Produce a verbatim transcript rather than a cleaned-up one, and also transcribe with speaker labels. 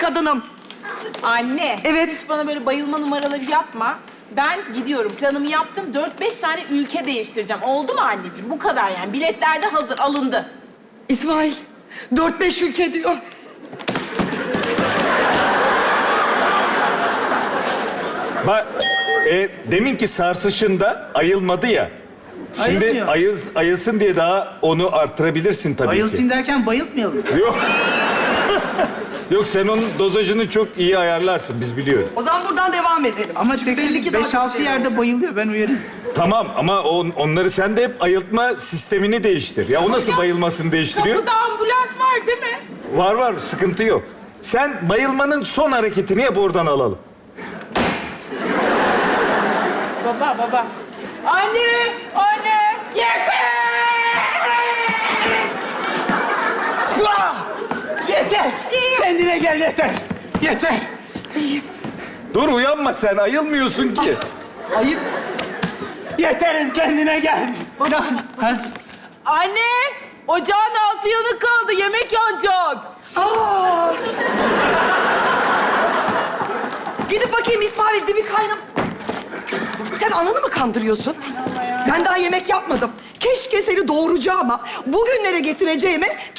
Speaker 1: kadınım.
Speaker 2: Anne.
Speaker 1: Evet.
Speaker 2: Hiç bana böyle bayılma numaraları yapma. Ben gidiyorum. Planımı yaptım. Dört beş tane ülke değiştireceğim. Oldu mu anneciğim? Bu kadar yani. Biletler de hazır. Alındı.
Speaker 1: İsmail, dört beş ülke diyor.
Speaker 3: Bak, e, deminki sarsışında ayılmadı ya. Şimdi
Speaker 4: Ayılmıyor.
Speaker 3: ayıl, ayılsın diye daha onu arttırabilirsin tabii
Speaker 4: Bayıltayım
Speaker 3: ki.
Speaker 4: derken bayıltmayalım.
Speaker 3: Yok. Yok, sen onun dozajını çok iyi ayarlarsın, biz biliyoruz.
Speaker 1: O zaman buradan devam edelim.
Speaker 4: Ama
Speaker 1: Çünkü belli ki
Speaker 4: tek
Speaker 1: daha
Speaker 4: beş
Speaker 1: kötü
Speaker 4: altı
Speaker 1: şeyler
Speaker 4: yerde
Speaker 1: olacak.
Speaker 4: bayılıyor, ben uyarayım.
Speaker 3: Tamam ama on, onları sen de hep ayıltma sistemini değiştir. Ya o nasıl bayılmasını değiştiriyor?
Speaker 2: Kapıda ambulans var değil mi?
Speaker 3: Var var, sıkıntı yok. Sen bayılmanın son hareketini yap, oradan alalım.
Speaker 2: Baba, baba. Anne, anne. Yeter!
Speaker 4: Yeter! Kendine gel, yeter! Yeter!
Speaker 3: Dur, uyanma sen, ayılmıyorsun ki.
Speaker 1: Ayıp.
Speaker 4: Yeterim, kendine gel! Ya, ha?
Speaker 2: Anne, ocağın altı yanık kaldı. Yemek yanacak.
Speaker 1: Aa! Gidip bakayım İsmail, dibi kaynam. Sen ananı mı kandırıyorsun? Ben daha yemek yapmadım. Keşke seni doğuracağıma, bugünlere getireceğime